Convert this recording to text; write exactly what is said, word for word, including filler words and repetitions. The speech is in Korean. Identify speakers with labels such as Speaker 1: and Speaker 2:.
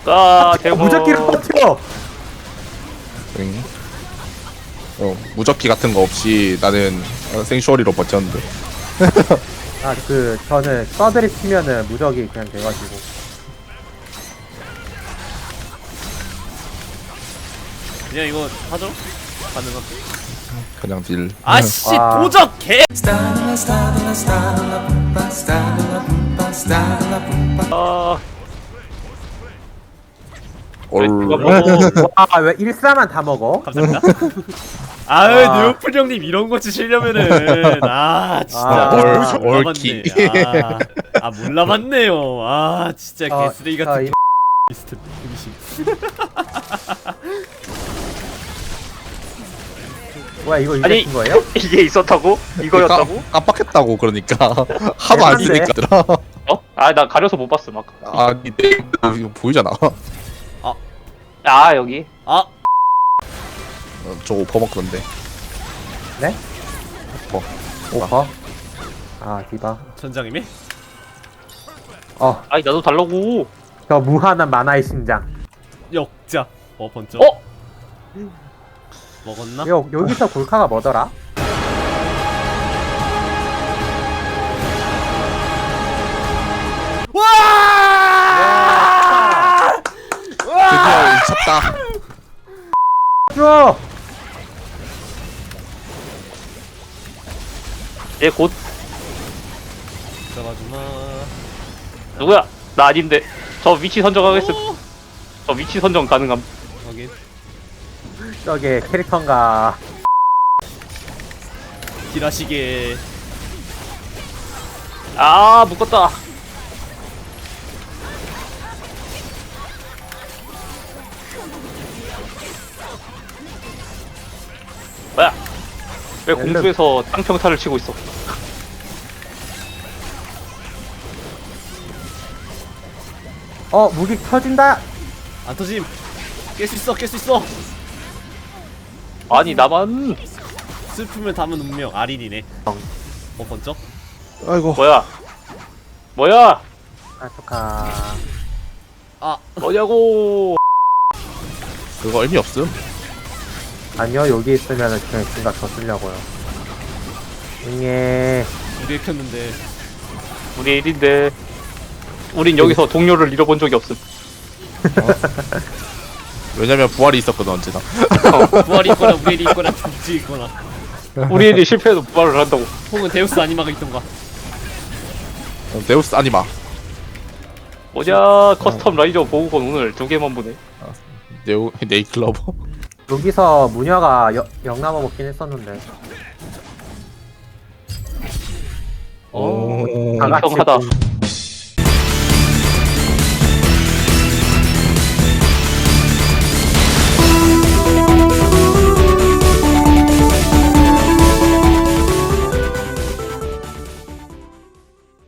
Speaker 1: 아
Speaker 2: 어,
Speaker 1: 대박.
Speaker 2: 무적기를 터뜨려.
Speaker 3: 응. 어, 무적기 같은 거 없이 나는 어, 생슈어리로 버텼는데.
Speaker 2: 아 그 저는 서드리 치면은 무적이 그냥 돼가지고.
Speaker 4: 그냥 이거 하죠? 가능한.
Speaker 3: 그냥 딜.
Speaker 4: 아씨
Speaker 2: 아.
Speaker 4: 도적 개.
Speaker 1: 아
Speaker 3: 얼.
Speaker 2: 아왜 일사만 다 먹어?
Speaker 4: 감사합니다. 아유
Speaker 2: 아.
Speaker 4: 뉴오픈 형님 이런 거 치시려면은 아 진짜
Speaker 2: 아,
Speaker 3: 얼-
Speaker 4: 몰라봤네.
Speaker 3: 얼키.
Speaker 4: 아, 아 몰라봤네요. 아 진짜
Speaker 2: 어,
Speaker 4: 개쓰레기
Speaker 2: 저
Speaker 4: 같은
Speaker 2: 이-
Speaker 4: 리스트 음식.
Speaker 2: 뭐야 이거 이거
Speaker 1: 아니.
Speaker 2: 준 거예요?
Speaker 1: 이게 있었다고? 이거였다고?
Speaker 3: 깜- 깜빡했다고 그러니까 하도 안
Speaker 2: 대단해.
Speaker 3: 쓰니까.
Speaker 1: 어? 아 나 가려서 못 봤어 막.
Speaker 3: 아니 내 이거 보이잖아.
Speaker 1: 아 여기.
Speaker 4: 아
Speaker 3: 어, 저거 퍼먹던데.
Speaker 2: 네?
Speaker 3: 어.
Speaker 2: 오퍼. 아 디바.
Speaker 4: 천장님이?
Speaker 2: 어,
Speaker 1: 아니 나도 달라고.
Speaker 2: 저 무한한 만화의 심장.
Speaker 4: 역자. 어 번쩍.
Speaker 1: 어?
Speaker 4: 먹었나?
Speaker 2: 여 여기서 골카가 뭐더라?
Speaker 4: 와!
Speaker 3: 드디어 미쳤다.
Speaker 2: 줘.
Speaker 1: 얘곧
Speaker 4: 잡아주마.
Speaker 1: 누구야? 나 아닌데. 저 위치 선정하겠음.
Speaker 4: 오!
Speaker 1: 저 위치 선정 가능함.
Speaker 4: 확인.
Speaker 2: 저게 캐릭터인가?
Speaker 4: 딜하시게.
Speaker 1: 아 묶었다. 뭐야? 왜 공중에서 땅평타를 치고 있어?
Speaker 2: 어 무기 터진다.
Speaker 4: 안 터짐. 깰 수 있어 깰 수 있어.
Speaker 1: 아니 나만.
Speaker 4: 슬픔을 담은 운명 아린이네. 어 번쩍.
Speaker 3: 아이고.
Speaker 1: 뭐야? 뭐야?
Speaker 2: 아 축하.
Speaker 4: 아
Speaker 1: 뭐냐고?
Speaker 3: 그거 의미 없음.
Speaker 2: 아니요 여기 있으면은 그냥 생각 더 쓰려고요. 응애.
Speaker 4: 우리 켰는데.
Speaker 1: 우리 일인데 우린 여기서 동료를 잃어본 적이 없음.
Speaker 3: 왜냐면 부활이 있었거든 언제나.
Speaker 4: 부활이 있거나 우엘이 있거나 둘이 있거나.
Speaker 1: 우리 일이 실패해도 부활을 한다고.
Speaker 4: 혹은 데우스 아니마가 있던가.
Speaker 3: 어, 데우스 아니마.
Speaker 1: 뭐냐? 커스텀 라이저 보호건 오늘 두 개만 보네.
Speaker 3: 네오 네이클러버.
Speaker 2: 여기서 무녀가 여, 영남아 먹긴 했었는데.
Speaker 4: 어.
Speaker 3: 오.
Speaker 2: 다 같이
Speaker 1: 인정하다.
Speaker 2: 공-